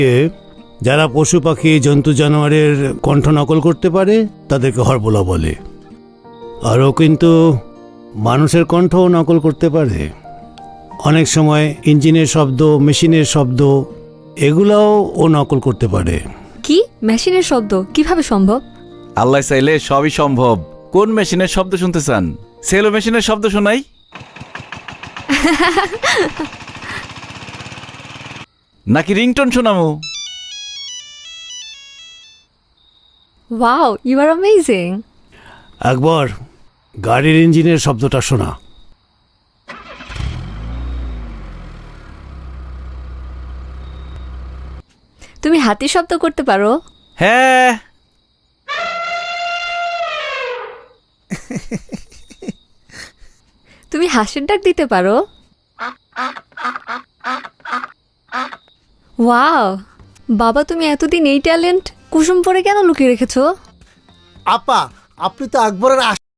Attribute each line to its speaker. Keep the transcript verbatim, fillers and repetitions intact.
Speaker 1: যারা পশু পাখি জন্তু জানোয়ারের কণ্ঠ নকল করতে পারে তাদেরকে হরবোলা বলে। আর ও কিন্তু মানুষের কণ্ঠও নকল করতে পারে। অনেক সময় ইঞ্জিনের শব্দ, মেশিনের শব্দ, এগুলাও ও নকল করতে পারে।
Speaker 2: কি মেশিনের শব্দ কিভাবে সম্ভব?
Speaker 3: আল্লাহ চাইলে সবই সম্ভব। কোন মেশিনের শব্দ শুনতে চান? সেলো মেশিনের শব্দ শোনাই? নাকি রিংটোন শোনামো?
Speaker 2: Wow, you are amazing.
Speaker 1: একবার গাড়ির ইঞ্জিনের শব্দটা শোনা।
Speaker 2: তুমি হাতি শব্দ করতে পারো?
Speaker 3: হ্যাঁ।
Speaker 2: তুমি হাসির ডাক দিতে পারো? ওয়াও বাবা, তুমি এতদিন এই ট্যালেন্ট কুসুম পরে কেন লুকিয়ে রেখেছো?
Speaker 4: আপা, আপনি তো আকবরের